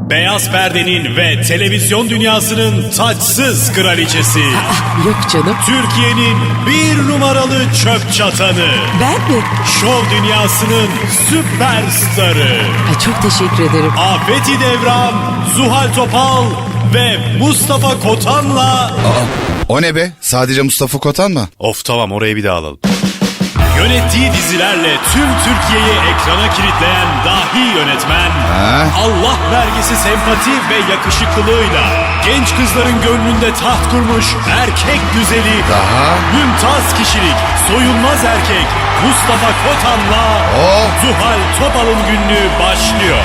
Beyaz perdenin ve televizyon dünyasının taçsız kraliçesi. Yok canım. Türkiye'nin bir numaralı çöp çatanı. Ben mi? Şov dünyasının süperstarı. Ay çok teşekkür ederim. Afeti Devran, Zuhal Topal ve Mustafa Kotan'la... O ne be? Sadece Mustafa Kotan mı? Of tamam, orayı bir daha alalım. Yönettiği dizilerle tüm Türkiye'yi ekrana kilitleyen dahi yönetmen, Allah vergisi sempati ve yakışıklılığıyla genç kızların gönlünde taht kurmuş erkek güzeli, mümtaz kişilik, soyunmaz erkek Mustafa Kotan'la Zuhal Topal'ın günlüğü başlıyor.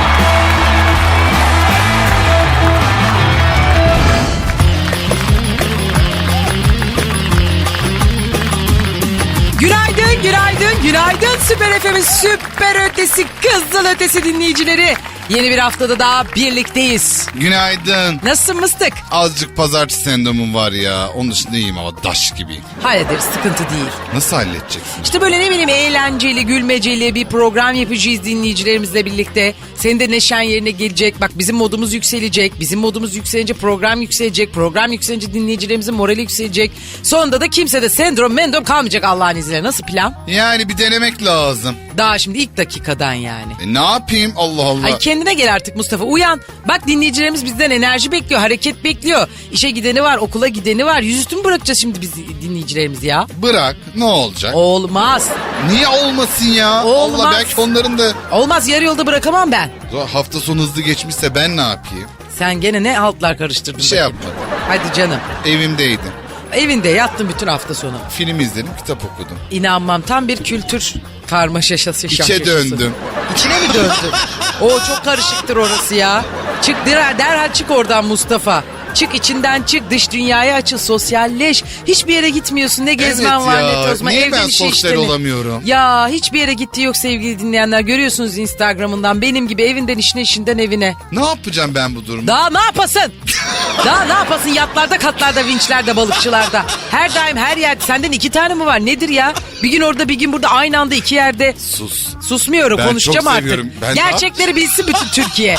Günaydın, günaydın, günaydın Süper FM'in süper ötesi, kızıl ötesi dinleyicileri. Yeni bir haftada daha birlikteyiz. Günaydın. Nasılsın mıstık? Azıcık pazartesi sendromum var ya. Onun dışında iyiyim ama daş gibiyim. Hallederiz, sıkıntı değil. Nasıl halledeceksin? İşte böyle ne bileyim eğlenceli, gülmeceli bir program yapacağız dinleyicilerimizle birlikte. Senin de neşen yerine gelecek. Bak bizim modumuz yükselecek. Bizim modumuz yükselince program yükselecek. Program yükselince dinleyicilerimizin morali yükselecek. Sonunda da kimse de sendrom kalmayacak Allah'ın izniyle. Nasıl plan? Yani bir denemek lazım. Daha şimdi ilk dakikadan yani. Ne yapayım Allah Allah. Ay kendine gel artık Mustafa, uyan. Bak dinleyicilerimiz bizden enerji bekliyor, hareket bekliyor. İşe gideni var, okula gideni var. Yüzüstü mü bırakacağız şimdi biz dinleyicilerimizi ya? Bırak, ne olacak? Olmaz. Niye olmasın ya? Olmaz. Allah, belki onların da Olmaz, yarı yolda bırakamam ben. hafta sonu hızlı geçmişse ben ne yapayım? Sen gene ne haltlar karıştırdın? Bir şey bakayım. yapmadım. Hadi canım. Evimdeydim. Evinde yattın bütün hafta sonu. Film izledim, kitap okudum. İnanmam, tam bir kültür karmaşası. İçe döndüm. İçine mi döndün? O çok karışıktır orası ya. Çık derhal çık oradan Mustafa. Çık içinden çık, dış dünyaya açıl, sosyalleş. Hiçbir yere gitmiyorsun, ne gezmen Evet var ya, ne tozma. niye Evde ben bir şey sosyal işlemin. olamıyorum? Ya hiçbir yere gittiği yok sevgili dinleyenler. Görüyorsunuz Instagram'ından benim gibi evinden işine, işinden evine. Ne yapacağım ben bu durumda? Daha ne yapasın? Daha ne yapasın? Yatlarda, katlarda, vinçlerde, balıkçılarda. Her daim her yerde. Senden 2 tane mi var? Nedir ya? Bir gün orada, bir gün burada, aynı anda 2 yerde. Sus. Susmuyorum, Ben konuşacağım çok artık. seviyorum. Ben Gerçekleri bilsin bütün Türkiye.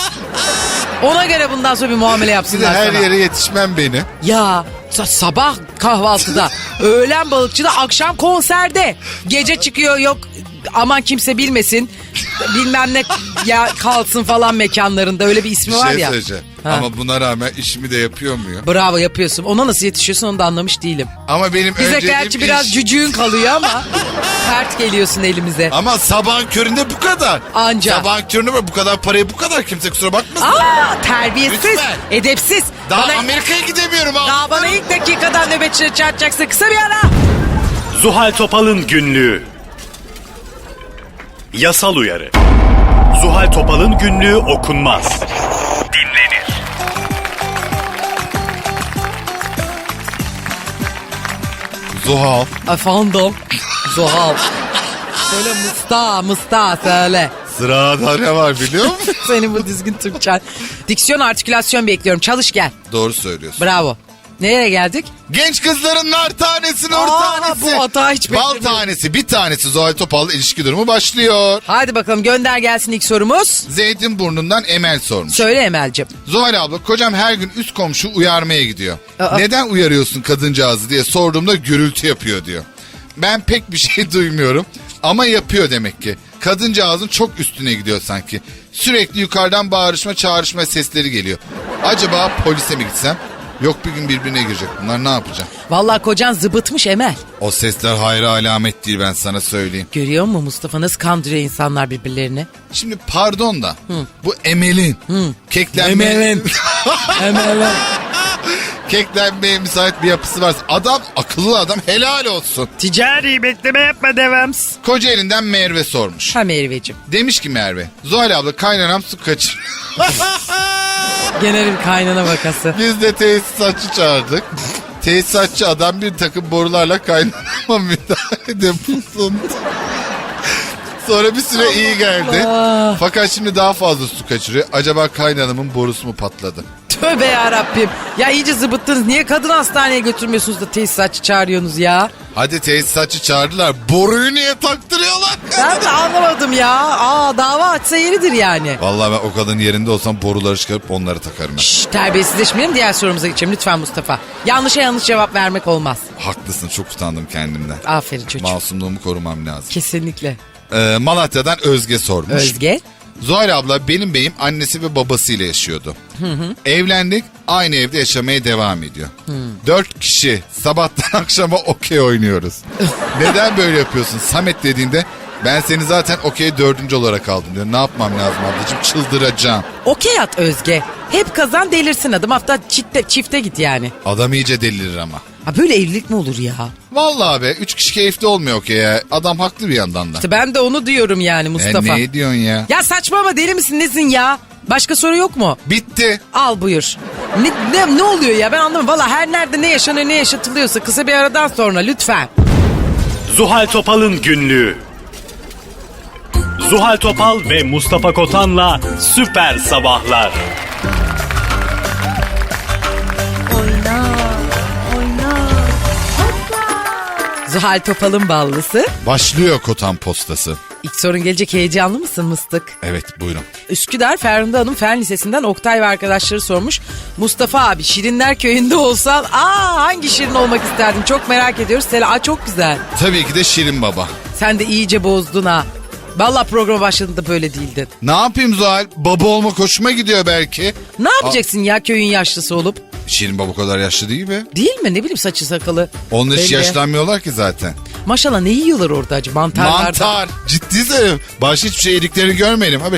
Ona göre bundan sonra bir muamele Size yapsınlar her sana. yere yetişmem beni. Ya sabah kahvaltıda, öğlen balıkçıda, akşam konserde. Gece çıkıyor, yok aman kimse bilmesin. Bilmem ne ya kalsın falan mekanlarında, öyle bir ismi Bir var şey ya. söyleyeceğim. Ha. Ama buna rağmen işimi de yapıyor muyum? Bravo, yapıyorsun. Ona nasıl yetişiyorsun onu da anlamış değilim. Ama benim Bize önceliğim gerçi biraz iş. cücüğün kalıyor ama sert geliyorsun elimize. Ama sabahın köründe bu kadar. Anca. Sabahın köründe bu kadar parayı bu kadar, kimse kusura bakmasın. Aa, terbiyesiz, Lütfen. edepsiz. Daha Bana- Amerika'ya gidemiyorum abi. Daha bana ilk dakikadan nöbetçi çağıracaksın. Kısa bir ara. Zuhal Topal'ın günlüğü. Yasal uyarı. Zuhal Topal'ın günlüğü okunmaz. Dinlenir. Zuhal. Efendim. Zuhal. Söyle Musta söyle. Sırada ne var biliyor musun? Senin bu düzgün Türkçen. Diksiyon, artikülasyon bekliyorum. Çalış gel. Doğru söylüyorsun. Bravo. Nereye geldik? Genç kızların nar tanesi, nur Aa, tanesi. bu hata hiç Bal beklemiyordum. tanesi, bir tanesi Zuhal Topal'la ilişki durumu başlıyor. Hadi bakalım, gönder gelsin ilk sorumuz. Zeytinburnu'ndan Emel sormuş. Söyle Emel'cim. Zuhal abla, kocam her gün üst komşu uyarmaya gidiyor. Aa. Neden uyarıyorsun kadıncağızı diye sorduğumda gürültü yapıyor diyor. Ben pek bir şey duymuyorum ama yapıyor demek ki. Kadıncağızın çok üstüne gidiyor sanki. Sürekli yukarıdan bağırışma çağrışma sesleri geliyor. Acaba polise mi gitsem? Yok, bir gün birbirine girecek bunlar, ne yapacağım? Vallahi kocan zıbıtmış Emel. O sesler hayra alamet değil, ben sana söyleyeyim. Görüyor musun Mustafa nasıl kandırıyor insanlar birbirlerini? Şimdi pardon da bu Emel'in keklenmeye müsait bir yapısı varsa, adam akıllı adam, helal olsun. Ticari bekleme yapma devams. Kocaeli'nden Merve sormuş. Ha Merveciğim. Demiş ki Merve, Zuhal abla kaynanam su kaçır. Genel bir kaynana vakası. Biz de tesisatçı çağırdık. Tesisatçı adam bir takım borularla kaynanama müdahalede bulundu. Sonra bir süre iyi geldi. Fakat şimdi daha fazla su kaçırıyor. Acaba kaynanamın borusu mu patladı? Tövbe yarabbim. Ya iyice zıbıttınız. Niye kadın hastaneye götürmüyorsunuz da tesisatçı çağırıyorsunuz ya? Hadi tesisatçı çağırdılar. Boruyu niye taktırıyorlar? Ben de anlamadım ya. Dava açsa yeridir yani. Vallahi ben o kadın yerinde olsam boruları çıkarıp onları takarım ben. Şşş, terbiyesizleşmeyelim, diğer sorumuza geçelim lütfen Mustafa. Yanlışa yanlış cevap vermek olmaz. Haklısın, çok utandım kendimden. Aferin çocuğum. Masumluğumu korumam lazım. Kesinlikle. Malatya'dan Özge sormuş. Özge. Zuhal abla, benim beyim annesi ve babasıyla yaşıyordu. Evlendik, aynı evde yaşamaya devam ediyor. 4 kişi sabahtan akşama okey oynuyoruz. Neden böyle yapıyorsun Samet dediğinde ben seni zaten okey 4. olarak aldım diyor. Ne yapmam lazım ablacığım, çıldıracağım. Okey at Özge. Hep kazan delirsin adım. Hatta çifte git yani. Adam iyice delirir ama. Ha, böyle evlilik mi olur ya? Vallahi be, 3 kişi keyifli olmuyor okey ya. Adam haklı bir yandan da. İşte ben de onu diyorum yani Mustafa. Ne diyorsun ya? Ya saçmalama, deli misin nesin ya? Başka soru yok mu? Bitti. Al buyur. Ne oluyor ya, ben anlamadım. Valla her nerede ne yaşanıyor ne yaşatılıyorsa kısa bir aradan sonra lütfen. Zuhal Topal'ın günlüğü. Zuhal Topal ve Mustafa Kotan'la Süper Sabahlar. Zuhal Topal'ın ballısı. Başlıyor Kotan postası. İlk sorun gelecek, heyecanlı mısın mıstık? Evet, buyurun. Üsküdar Ferhunda Hanım Fen Lisesi'nden Oktay ve arkadaşları sormuş. Mustafa abi, Şirinler Köyü'nde olsan hangi Şirin olmak isterdin? Çok merak ediyoruz. Çok güzel. Tabii ki de Şirin Baba. Sen de iyice bozdun ha. Vallahi programa başladığında böyle değildin. Ne yapayım Zuhal? Baba olmak hoşuma gidiyor belki. Ne yapacaksın ya köyün yaşlısı olup? Şirin Baba o kadar yaşlı değil mi? Değil mi? Ne bileyim, saçı sakalı. Onlar hiç Belli. yaşlanmıyorlar ki zaten. Maşallah, ne yiyorlar orada acı? Mantarlardan. Mantar. Ciddi söylüyorum. Başka hiçbir şey yediklerini görmeyelim. Abi.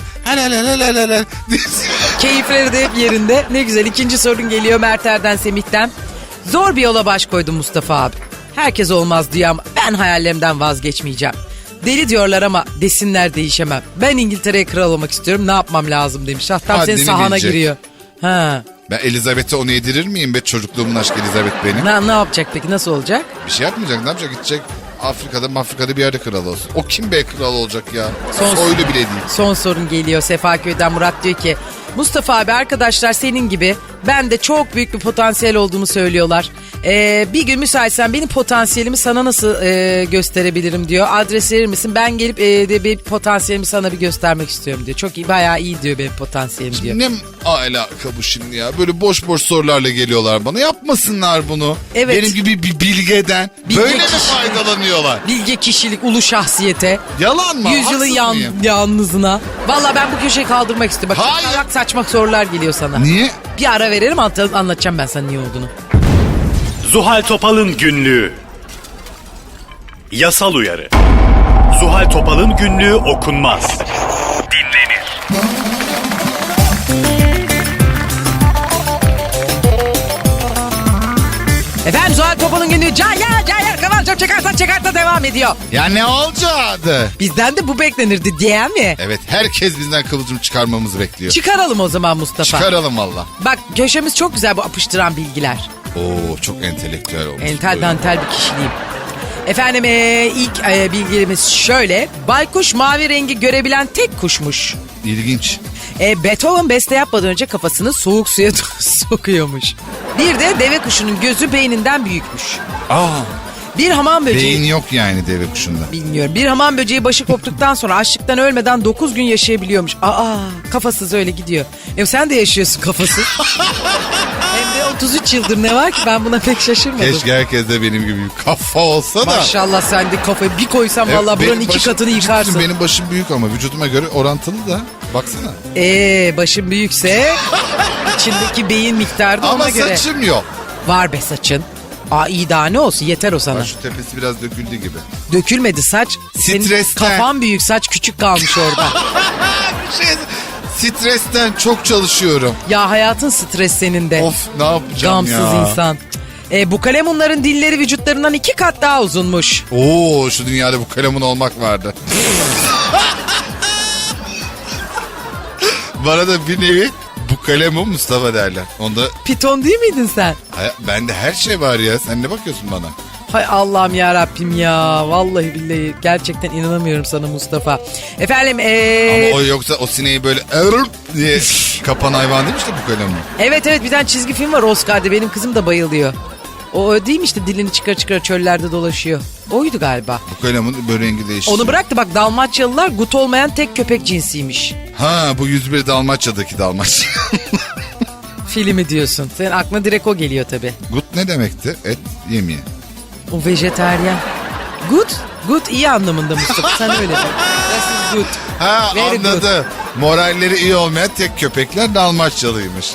Keyifleri de hep yerinde. Ne güzel. İkinci sorun geliyor Merter'den Semih'ten. Zor bir yola baş koydum Mustafa abi. Herkes olmaz diyor ama ben hayallerimden vazgeçmeyeceğim. Deli diyorlar ama desinler, değişemem. Ben İngiltere'ye kral olmak istiyorum. Ne yapmam lazım demiş. Hatta senin Haddini sahana bilecek. giriyor. Ha. Ben Elizabeth'e onu yedirir miyim be? Çocukluğumun aşkı Elizabeth benim. Ne yapacak peki? Nasıl olacak? Bir şey yapmayacak. Ne yapacak? Gidecek Afrika'da bir yerde kral olsun. O kim be kral olacak ya? Soylu bile değil. Son sorun geliyor Sefaköy'den. Murat diyor ki Mustafa abi, arkadaşlar senin gibi ben de çok büyük bir potansiyel olduğumu söylüyorlar. Bir gün müsaitsen benim potansiyelimi sana nasıl gösterebilirim diyor. Adres verir misin? Ben gelip bir potansiyelimi sana bir göstermek istiyorum diyor. Çok iyi, bayağı iyi diyor benim potansiyelim diyor. Ne alaka bu şimdi ya? Böyle boş sorularla geliyorlar bana. Yapmasınlar bunu. Evet. Benim gibi bir bilgeden Bilge böyle mi kişi. faydalanıyorlar? Bilge kişilik, ulu şahsiyete. Yalan mı? Yüzyılın Haksız mıyım? yalnızına. Valla ben bu köşeyi kaldırmak istiyorum. Bak, Hayır. salak saçma sorular geliyor sana. Niye? Bir ara verelim, anlatacağım ben sana niye olduğunu. Zuhal Topal'ın günlüğü. Yasal uyarı. Zuhal Topal'ın günlüğü okunmaz. Dinlenir. Efendim, Zuhal Topal'ın günlüğü Cayar Kıvılcım çıkarta devam ediyor. Ya ne olacaktı? Bizden de bu beklenirdi diye mi? Evet, herkes bizden kıvılcım çıkarmamızı bekliyor. Çıkaralım o zaman Mustafa. Çıkaralım valla. Bak, köşemiz çok güzel, bu apıştıran bilgiler. Oo, çok entelektüel olmuş. Entel dantel bir kişiliğim. Efendim ilk bilgilerimiz şöyle. Baykuş mavi rengi görebilen tek kuşmuş. İlginç. Beethoven beste yapmadan önce kafasını soğuk suya sokuyormuş. Bir de deve kuşunun gözü beyninden büyükmüş. Bir hamam böceği... Beyin yok yani deve kuşunda. Bilmiyorum. Bir hamam böceği başı koptuktan sonra açlıktan ölmeden 9 gün yaşayabiliyormuş. Kafasız öyle gidiyor. Sen de yaşıyorsun kafasız. Hem de 33 yıldır, ne var ki, ben buna pek şaşırmadım. Keşke herkes de benim gibi bir kafa olsa da. Maşallah, sen de kafayı bir koysan vallahi buranın 2 katını yıkarsın. Benim başım büyük ama vücuduma göre orantılı da. Baksana. Başın büyükse içindeki beyin miktarı da Ama ona göre. saçım yok. Var be saçın. İyi, daha ne olsun, yeter o sana. Bak, şu tepesi biraz döküldü gibi. Dökülmedi saç. Senin Stresten. kafan büyük, saç küçük kalmış orada. Stresten çok çalışıyorum. Ya hayatın stres senin de. Of, ne yapacağım Gamsız ya. insan. Bu kalemunların dilleri vücutlarından 2 kat daha uzunmuş. Oo, şu dünyada bu kalemun olmak vardı. Bana da bir nevi bu kalemun Mustafa derler. Onda Piton değil miydin sen? bende her şey var ya. Sen ne bakıyorsun bana? Hay Allah'ım ya Rabbim ya. Vallahi billahi gerçekten inanamıyorum sana Mustafa. Efendim Ama o yoksa o sineği böyle diye kapan hayvan değil mi işte bu kalem mi? evet bir tane çizgi film var Oscar'da. Benim kızım da bayılıyor. O değil mi işte dilini çıkar çöllerde dolaşıyor. Oydu galiba. Bu kalemin böyle rengi değişti. Onu bıraktı bak Dalmaçyalılar gut olmayan tek köpek cinsiymiş. Ha bu 101 Dalmaçya'daki Dalmaçya. Filmi diyorsun. Senin aklına direkt o geliyor tabii. Gut ne demekti? Et yemeği. O vejetaryen. Good iyi anlamında Mustafa sen öyle de. This is good. Ha Very good. anladı. Moralleri iyi olmayan tek köpekler Dalmaçyalıymış.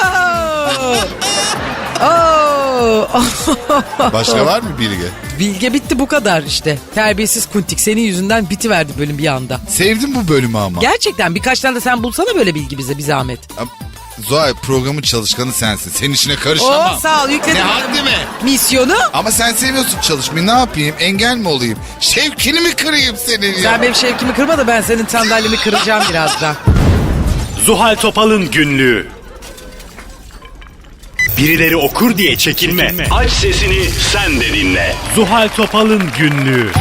Başka var mı Bilge? Bilge bitti bu kadar işte. Terbiyesiz kuntik senin yüzünden bitiverdi bölüm bir anda. Sevdim bu bölümü ama. Gerçekten birkaç tane de sen bulsana böyle bilgi bize bir zahmet. Zuhal programın çalışkanı sensin. Senin işine karışamam. Sağ ol yükledim. Ne haddi mi? Misyonu. Ama sen seviyorsun çalışmayı, ne yapayım? Engel mi olayım? Şevkini mi kırayım senin ya? Sen benim şevkimi kırma da ben senin sandalyemi kıracağım birazdan. Zuhal Topal'ın günlüğü. Birileri okur diye çekinme. Aç sesini sen de dinle. Zuhal Topal'ın günlüğü.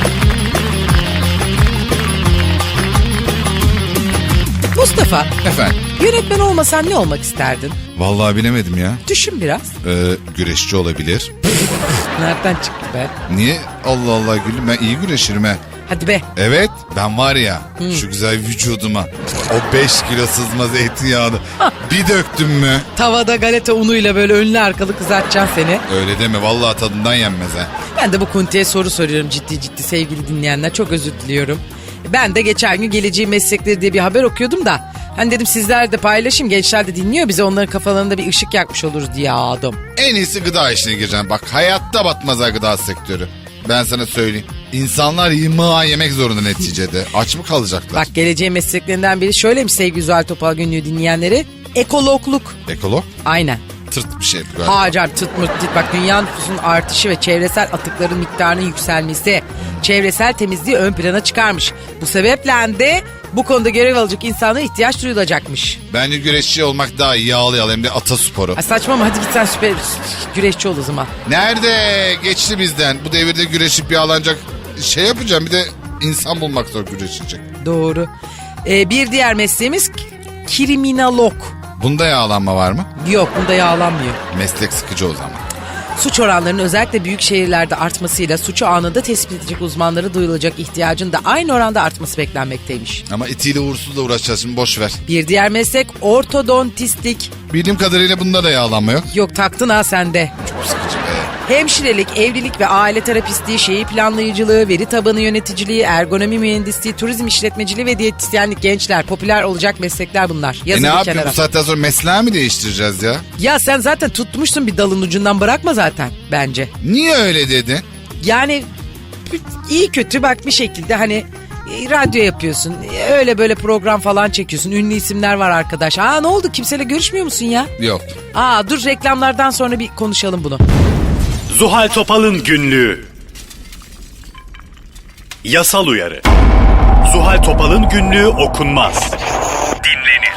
Mustafa, Efendim? yönetmen olmasan ne olmak isterdin? Vallahi bilemedim ya. Düşün biraz. Güreşçi olabilir. Nereden çıktı be? Niye? Allah Allah gülüm, ben iyi güreşirim he. Hadi be. Evet, ben var ya şu güzel vücuduma o 5 kilo sızma zeytinyağını bir döktüm mü? Tavada galeta unuyla böyle önlü arkalı kızartacaksın seni. Öyle deme, vallahi tadından yenmez ha. Ben de bu kuntiye soru soruyorum ciddi sevgili dinleyenler. Çok özür diliyorum. Ben de geçen gün geleceğin meslekleri diye bir haber okuyordum da. Hani dedim sizler de paylaşayım, gençler de dinliyor bize, onların kafalarında bir ışık yakmış oluruz diye aldım. En iyisi gıda işine gireceğim. Bak hayatta batmaz ha gıda sektörü. Ben sana söyleyeyim. İnsanlar yemek zorunda neticede. Aç mı kalacaklar? Bak geleceğin mesleklerinden biri şöyleymiş sevgili Zuhal Topal günlüğü dinleyenleri. Ekologluk. Ekolog? Aynen. Tırt bir şey bu galiba. Hacer tırt mırt değil. Bak dünya nüfusunun artışı ve çevresel atıkların miktarının yükselmesi çevresel temizliği ön plana çıkarmış. Bu sebeple de bu konuda görev alacak insana ihtiyaç duyulacakmış. Bence güreşçi olmak daha iyi, yağlı hem de atasporu. Ay saçma hadi git sen süper güreşçi ol o zaman. Nerede? Geçti bizden. Bu devirde güreşip yağlanacak şey yapacağım. Bir de insan bulmak zor güreşecek. Doğru. Bir diğer mesleğimiz kriminalog. Bunda yağlanma var mı? Yok bunda yağlanmıyor. Meslek sıkıcı o zaman. Suç oranlarının özellikle büyük şehirlerde artmasıyla suçu anında tespit edecek uzmanlara duyulacak ihtiyacın da aynı oranda artması beklenmekteymiş. Ama itiyle uğursuzla uğraşacağız şimdi, boş ver. Bir diğer meslek ortodontistlik. Bildiğim kadarıyla bunda da yağlanma yok. Yok taktın ha sende. Çok sıkıcı be. Hemşirelik, evlilik ve aile terapistliği, şehir planlayıcılığı, veri tabanı yöneticiliği, ergonomi mühendisliği, turizm işletmeciliği ve diyetisyenlik. Gençler popüler olacak meslekler bunlar. Yazın Ne bir yapayım kenara. bu saatten sonra mesleği mi değiştireceğiz ya? Ya sen zaten tutmuşsun bir dalın ucundan, bırakma zaten bence. Niye öyle dedin? Yani iyi kötü bak bir şekilde hani radyo yapıyorsun. Öyle böyle program falan çekiyorsun. Ünlü isimler var arkadaş. Ne oldu, kimseyle görüşmüyor musun ya? Yok. Dur reklamlardan sonra bir konuşalım bunu. Zuhal Topal'ın günlüğü. Yasal uyarı. Zuhal Topal'ın günlüğü okunmaz. Dinlenir.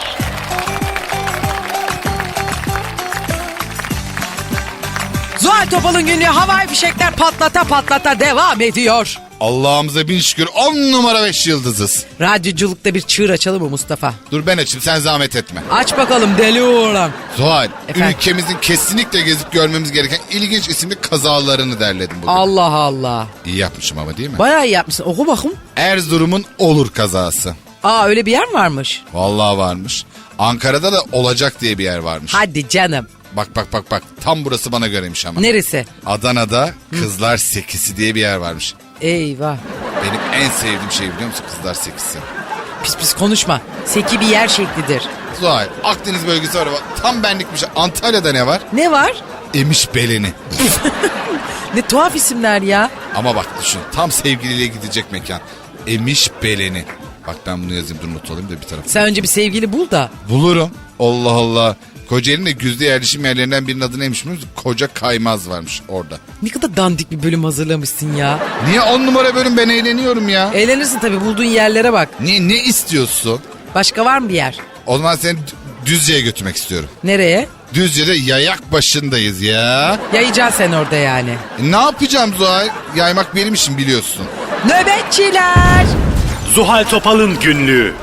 Zuhal Topal'ın günlüğü havai fişekler patlata devam ediyor. Allah'ımıza bin şükür 10 numara 5 yıldızız. Radyoculukta bir çığır açalım mı Mustafa? Dur ben açayım, sen zahmet etme. Aç bakalım deli oğlan. Zuhal, Efendim? ülkemizin kesinlikle gezip görmemiz gereken ilginç isimli kazalarını derledim bugün. Allah Allah. İyi yapmışım ama değil mi? Bayağı iyi yapmışsın. Oku bakayım. Erzurum'un Olur kazası. Öyle bir yer mi varmış? Vallahi varmış. Ankara'da da Olacak diye bir yer varmış. Hadi canım. Bak. Tam burası bana göreymiş ama. Neresi? Adana'da Kızlar Sekisi diye bir yer varmış. Eyvah. Benim en sevdiğim şey biliyor musun Kızlar Sekisi? Pis konuşma. Seki bir yer şeklidir. Zuhal, Akdeniz bölgesi var. Tam benlik bir şey. Antalya'da ne var? Ne var? Emiş Beleni. Ne tuhaf isimler ya. Ama bak düşün, tam sevgiliyle gidecek mekan. Emiş Beleni. Bak ben bunu yazayım, dur not alayım da bir tarafa. Sen önce bir sevgili bul da. Bulurum. Allah Allah. Kocaeli'nin de güzde yerleşim yerlerinden birinin adı neymiş biliyor musun? Koca Kaymaz varmış orada. Ne kadar dandik bir bölüm hazırlamışsın ya. Niye 10 numara bölüm, ben eğleniyorum ya. Eğlenirsin tabii, bulduğun yerlere bak. Niye, ne istiyorsun? Başka var mı bir yer? O zaman seni Düzce'ye götürmek istiyorum. Nereye? Düzce'de yayak başındayız ya. Yayacaksın sen orada yani. Ne yapacağım Zuhal? Yaymak benim işim biliyorsun. Nöbetçiler. Zuhal Topal'ın günlüğü.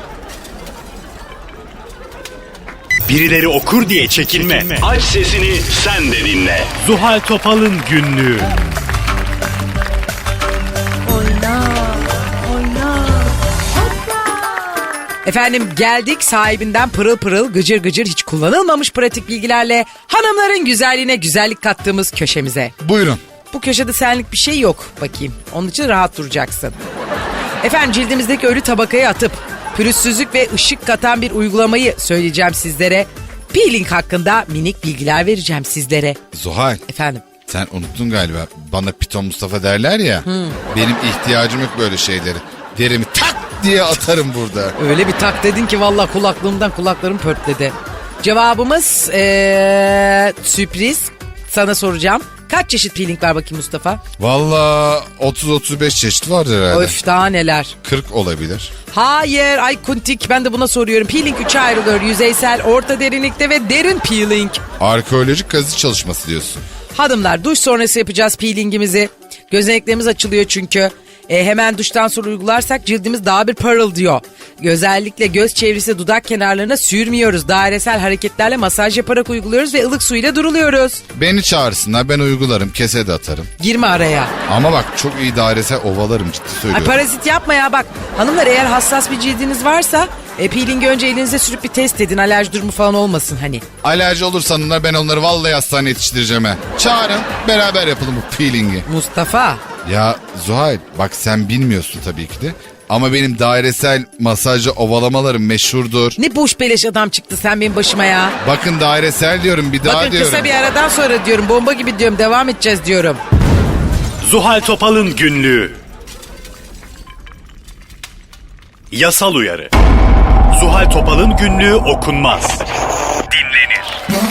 Birileri okur diye çekinme. Aç sesini sen de dinle. Zuhal Topal'ın günlüğü. Efendim geldik sahibinden pırıl pırıl gıcır gıcır hiç kullanılmamış pratik bilgilerle hanımların güzelliğine güzellik kattığımız köşemize. Buyurun. Bu köşede senlik bir şey yok bakayım. Onun için rahat duracaksın. Efendim cildimizdeki ölü tabakayı atıp pürüzsüzlük ve ışık katan bir uygulamayı söyleyeceğim sizlere. Peeling hakkında minik bilgiler vereceğim sizlere. Zuhal. Efendim. Sen unuttun galiba. Bana Piton Mustafa derler ya. Benim ihtiyacım yok böyle şeyleri. Derimi tak diye atarım burada. Öyle bir tak dedin ki vallahi kulaklarım pörtledi. Cevabımız sürpriz. Sana soracağım. Kaç çeşit peeling var bakayım Mustafa? Valla 30-35 çeşit vardır herhalde. Öf daha neler. 40 olabilir. Hayır ay kuntik ben de buna soruyorum. Peeling 3'e ayrılıyor. Yüzeysel, orta derinlikte ve derin peeling. Arkeolojik kazı çalışması diyorsun. Hanımlar duş sonrası yapacağız peelingimizi. Gözeneklerimiz açılıyor çünkü. Hemen duştan sonra uygularsak cildimiz daha bir parıldıyor. Özellikle göz çevresi dudak kenarlarına sürmüyoruz. Dairesel hareketlerle masaj yaparak uyguluyoruz ve ılık suyla duruluyoruz. Beni çağırsınlar ben uygularım kese de atarım. Girme araya. Ama bak çok iyi dairesel ovalarım ciddi Ay, söylüyorum. parazit yapma ya bak. Hanımlar eğer hassas bir cildiniz varsa peelingi önce elinize sürüp bir test edin. Alerji durumu falan olmasın hani. Alerji olursa hanımlar ben onları vallahi hastaneye yetiştireceğim ha. Çağırın beraber yapalım bu peelingi. Mustafa. Ya Zuhal bak sen bilmiyorsun tabii ki de. Ama benim dairesel masajla ovalamalarım meşhurdur. Ne boş beleş adam çıktı sen benim başıma ya. Bakın dairesel diyorum bir daha Bakın diyorum. kısa bir aradan sonra diyorum bomba gibi diyorum devam edeceğiz diyorum. Zuhal Topal'ın günlüğü. Yasal uyarı. Zuhal Topal'ın günlüğü okunmaz. Dinlenir.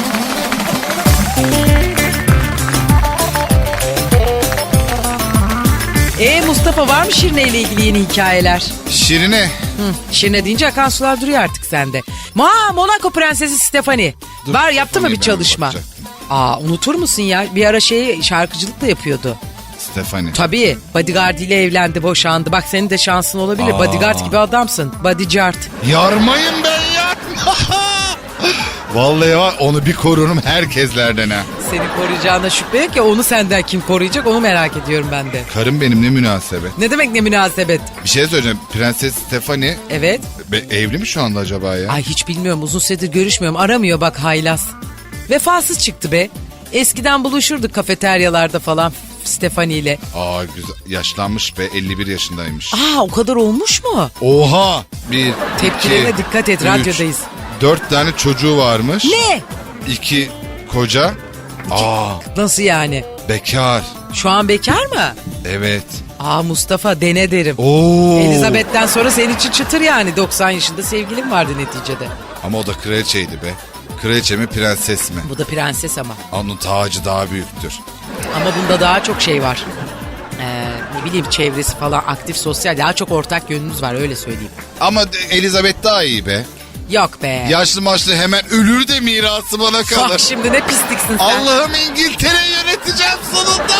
Mustafa var mı Şirine ile ilgili yeni hikayeler? Şirine. Şirine deyince akan sular duruyor artık sende. Monaco Prensesi Stephanie. Dur, Var yaptı mı bir ben çalışma? bakacaktım. Unutur musun ya? Bir ara şarkıcılık da yapıyordu. Stephanie. Tabii Bodyguard ile evlendi boşandı. Bak senin de şansın olabilir. Bodyguard gibi adamsın. Bodyguard. Yarmayın ben ya. Vallahi var onu bir korurum herkeslerden ha. Seni koruyacağına şüphe yok ya onu senden kim koruyacak onu merak ediyorum ben de. Karım benim ne münasebet. Ne demek ne münasebet? Bir şey söyleyeceğim. Prenses Stephanie Evet. evli mi şu anda acaba ya? Ay hiç bilmiyorum uzun süredir görüşmüyorum aramıyor bak haylaz. Vefasız çıktı be. Eskiden buluşurduk kafeteryalarda falan Stephanie ile. Aa güzel. Yaşlanmış be 51 yaşındaymış. O kadar olmuş mu? Oha. Bir, Tepkilerine iki, dikkat et, üç, radyodayız. 4 tane çocuğu varmış. Ne? 2 koca. Nasıl yani? Bekar. Şu an bekar mı? Evet. Mustafa dene derim. Oo. Elizabeth'ten sonra senin için çıtır yani 90 yaşında sevgilin vardı neticede. Ama o da kraliçeydi be. Kraliçe mi prenses mi? Bu da prenses ama. Onun tacı daha büyüktür. Ama bunda daha çok şey var. Ne bileyim çevresi falan aktif sosyal daha çok ortak yönünüz var öyle söyleyeyim. Ama Elizabeth daha iyi be. Yok be. Yaşlı maçlı hemen ölür de mirası bana kalır. Bak şimdi ne pisliksin sen. Allah'ım İngiltere'yi yöneteceğim sonunda.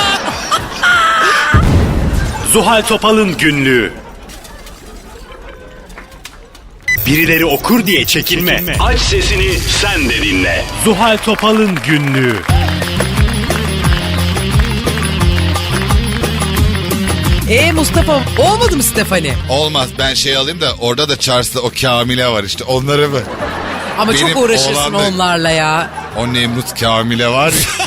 Zuhal Topal'ın günlüğü. Birileri okur diye çekinme. Aç sesini sen de dinle. Zuhal Topal'ın günlüğü. Mustafa olmadı mı Stephanie? Olmaz ben şey alayım da orada da Charles'ta o Kamile var işte onları mı? Ama Benim çok uğraşırsın oğlan da- onlarla ya. O Nemrut Kamile var ya.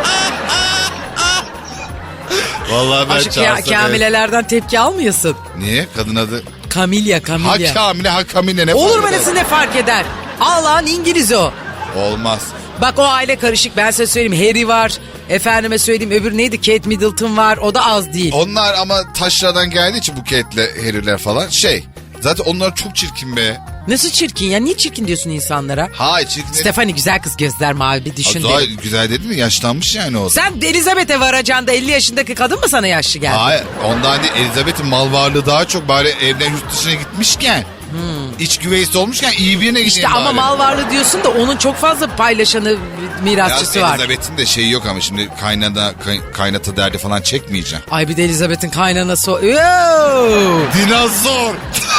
Vallahi ben Aşık Charles'ta... Kamilelerden tepki almıyorsun. Niye? Kadın adı... Kamilya. Ha Kamile ha Kamile ne Olur fark mu eder? nasıl ne fark eder? Allah'ın İngiliz o. Olmaz. Bak o aile karışık ben size söyleyeyim. Harry var. Efendime söyleyeyim öbür neydi? Kate Middleton var. O da az değil. Onlar ama taşradan geldiği için Buket'le Harry'ler falan zaten onlar çok çirkin be. Nasıl çirkin ya? Niye çirkin diyorsun insanlara? Hayır çirkin. Stephanie güzel kız gözler mavi bir düşün. Daha derim. güzel dedi mi? Yaşlanmış yani o. Sen Elizabeth'e varacağında 50 yaşındaki kadın mı sana yaşlı geldi? Hayır ondan değil Elizabeth'in mal varlığı daha çok bari evden yurt dışına gitmişken. iç güveysi olmuşken iyi birine gideyim İşte ama bari. mal varlığı diyorsun da onun çok fazla paylaşanı, mirasçısı var. Elizabeth'in de şeyi yok ama şimdi kaynata derdi falan çekmeyeceğim. Ay bir de Elizabeth'in kaynanası o. Yoo! Dinozor.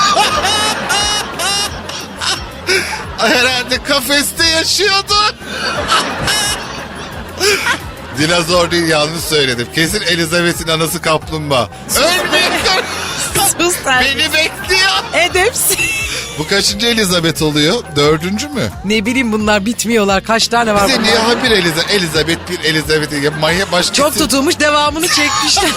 Herhalde kafeste yaşıyordu. Dinozor değil, yanlış söyledim. Kesin Elizabeth'in anası kaplumbağa. Ölmeyin. Sus sen. Beni bekliyor. Edepsiz. Bu kaçıncı Elizabeth oluyor? 4. mü? Ne bileyim bunlar bitmiyorlar. Kaç tane var Bize bunlar? niye ha bir Elizabeth bir Elizabeth manyak başkası. Çok tutulmuş, devamını çekmişler.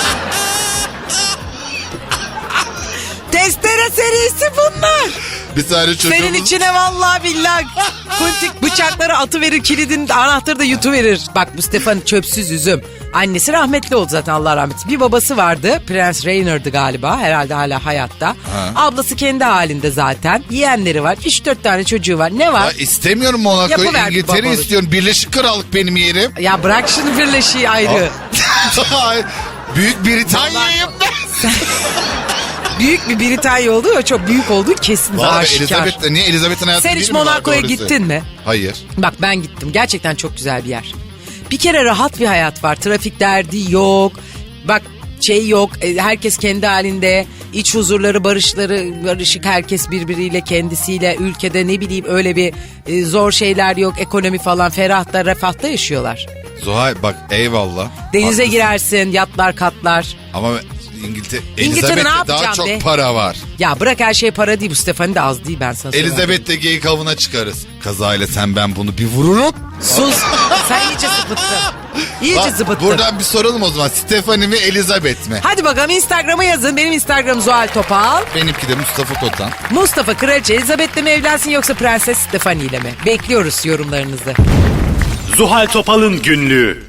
Testere serisi bunlar. Bir tane çocuğumuz. Senin içine vallahi billahi kuntik bıçakları atıverir, kilidin anahtarı da yutuverir. Bak bu Stefan çöpsüz üzüm. Annesi rahmetli oldu zaten, Allah rahmet eylesin. Bir babası vardı, Prens Rainer'dı galiba, herhalde hala hayatta. Ablası kendi halinde zaten. Yeğenleri var, 3-4 tane çocuğu var. Ne var? Ya istemiyorum Monaco'yu, Yapıverdi İngiltere babalık. istiyorum. Birleşik Krallık benim yerim. Ya bırak şunu, birleşiği ayrı. Büyük Britanya'yım ben. Büyük bir Britanya olduğu ve çok büyük olduğu kesin ve Vallahi aşikar. Niye Elizabeth'in hayatı Sen değil hiç mi var Monaco'ya doğrusu? gittin mi? Hayır. Bak ben gittim. Gerçekten çok güzel bir yer. Bir kere rahat bir hayat var. Trafik derdi yok. Bak şey yok. Herkes kendi halinde. İç huzurları, barışık. Herkes birbiriyle, kendisiyle. Ülkede ne bileyim öyle bir zor şeyler yok. Ekonomi falan ferahta, refahta yaşıyorlar. Zuhal bak eyvallah. Denize Haklısın. girersin, yatlar katlar. Ama İngiltere'de ne Elizabeth'te daha yapacağım çok be? para var. Ya bırak, her şey para değil. Bu Stefani de az değil, ben sana söyleyeyim. Elizabeth'le geyik avına çıkarız. Kazayla sen ben bunu bir vururum. Sus. Sen iyice zıbıttın. İyice Bak, zıbıttın. buradan bir soralım o zaman. Stephanie mi Elizabeth mi? Hadi bakalım Instagram'a yazın. Benim Instagram Zuhal Topal. Benimki de Mustafa Kotan. Mustafa Kraliçe Elizabeth'le mi evlensin yoksa Prenses Stefani ile mi? Bekliyoruz yorumlarınızı. Zuhal Topal'ın günlüğü.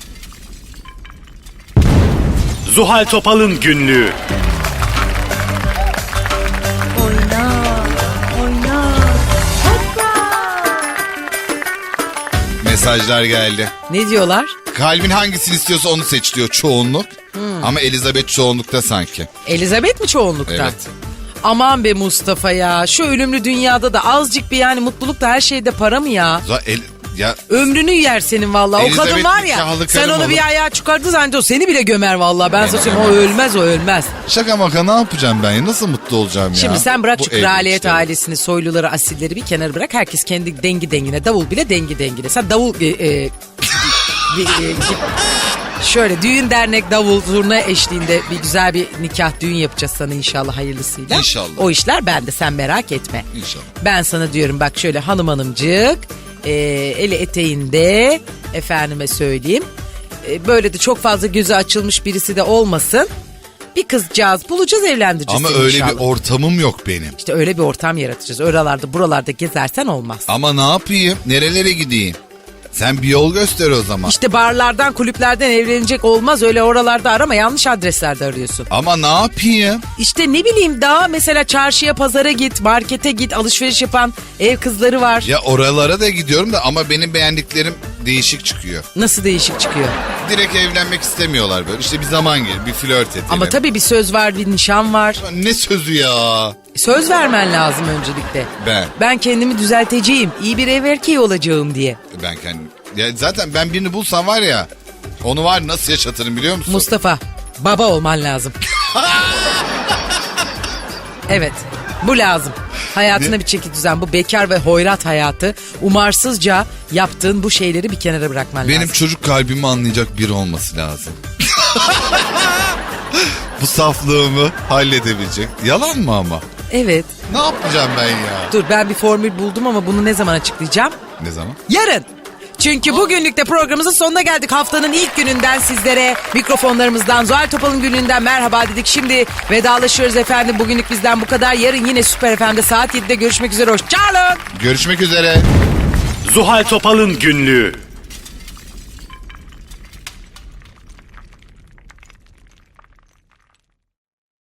Zuhal Topal'ın günlüğü. Mesajlar geldi. Ne diyorlar? Kalbin hangisini istiyorsa onu seç diyor çoğunluk. Ama Elizabeth çoğunlukta sanki. Elizabeth mi çoğunlukta? Evet. Aman be Mustafa ya. Şu ölümlü dünyada da azıcık bir yani mutluluk da her şeyde para mı ya? Ya Ömrünü yer senin vallahi. O Elizabeth kadın var ya. nikahlı Sen karım onu olur. bir ayağa çıkardığı zaman o seni bile gömer vallahi. Ben sana söyleyeyim, o ölmez, o ölmez. şaka maka ne yapacağım ben ya? Nasıl mutlu olacağım ya? Şimdi sen bırak Bu şu evlilik kraliyet işte. ailesini, soyluları, asilleri bir kenara bırak. Herkes kendi dengi dengine, davul bile dengi dengine. Sen davul... şöyle düğün dernek davul zurna eşliğinde bir güzel bir nikah düğün yapacağız sana inşallah, hayırlısıyla. İnşallah. O işler bende, sen merak etme. İnşallah. Ben sana diyorum bak şöyle hanımcık eli eteğinde, efendime söyleyeyim. Böyle de çok fazla gözü açılmış birisi de olmasın. Bir kızcağız bulacağız, evlendireceğiz Ama seni öyle inşallah. bir ortamım yok benim. İşte öyle bir ortam yaratacağız. Oralarda buralarda gezersen olmaz. Ama ne yapayım? Nerelere gideyim? Sen bir yol göster o zaman. İşte barlardan, kulüplerden evlenecek olmaz. Öyle oralarda arama, yanlış adreslerde arıyorsun. Ama ne yapayım? İşte ne bileyim, daha mesela çarşıya, pazara git, markete git, alışveriş yapan ev kızları var. Ya oralara da gidiyorum da ama benim beğendiklerim değişik çıkıyor. Nasıl değişik çıkıyor? Direkt evlenmek istemiyorlar böyle. İşte bir zaman gelir, bir flört edelim. Ama tabii bir söz var, bir nişan var. Ne sözü ya? Söz vermen lazım öncelikle. Ben kendimi düzelteceğim, iyi bir ev erkeği olacağım diye. Ben kendim. Ya zaten ben birini bulsam var ya, onu var nasıl yaşatırım biliyor musun? Mustafa, baba olman lazım. Evet, bu lazım. Hayatına bir çeki düzen, bu bekar ve hoyrat hayatı, umarsızca yaptığın bu şeyleri bir kenara bırakman Benim lazım. çocuk kalbimi anlayacak biri olması lazım. Bu saflığımı halledebilecek. Yalan mı ama? Evet. Ne yapacağım ben ya? Dur, ben bir formül buldum ama bunu ne zaman açıklayacağım? Ne zaman? Yarın. Çünkü bugünlük de programımızın sonuna geldik. Haftanın ilk gününden sizlere mikrofonlarımızdan, Zuhal Topal'ın gününden merhaba dedik. Şimdi vedalaşıyoruz efendim. Bugünlük bizden bu kadar. Yarın yine Süper FM'de saat 7'de görüşmek üzere. Hoşçakalın. Görüşmek üzere. Zuhal Topal'ın günlüğü.